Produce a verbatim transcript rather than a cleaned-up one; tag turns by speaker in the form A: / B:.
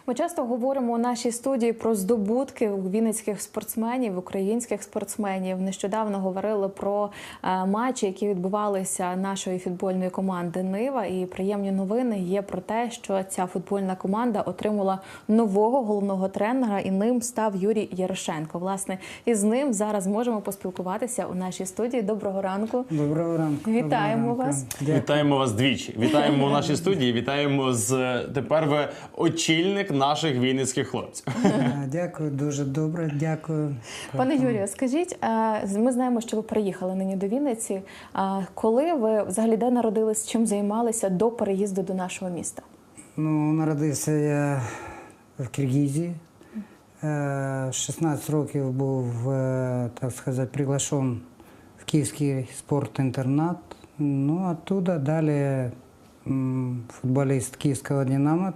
A: Ми часто говоримо у нашій студії про здобутки вінницьких спортсменів, українських спортсменів. Нещодавно говорили про е, матчі, які відбувалися нашої футбольної команди «Нива». І приємні новини є про те, що ця футбольна команда отримала нового головного тренера, і ним став Юрій Ярошенко. Власне, із ним зараз можемо поспілкуватися у нашій студії. Доброго ранку.
B: Доброго ранку.
A: Вітаємо
B: Доброго
A: вас.
B: ранку. Дякую.
C: Вітаємо вас двічі. Вітаємо у нашій студії. Вітаємо з тепер ви очільник наших вінницьких хлопців.
B: А, Дякую, дуже добре, дякую.
A: Пане Юрію, скажіть, е, ми знаємо, що ви приїхали нині до Вінниці. А коли ви взагалі де народились, чим займалися до переїзду до нашого міста?
B: Ну, народився я в Киргизії. Е, шістнадцять років був, е, так сказати, приглашен в Київський спортінтернат. Ну, оттуда далі м, футболіст Київського «Динамо»,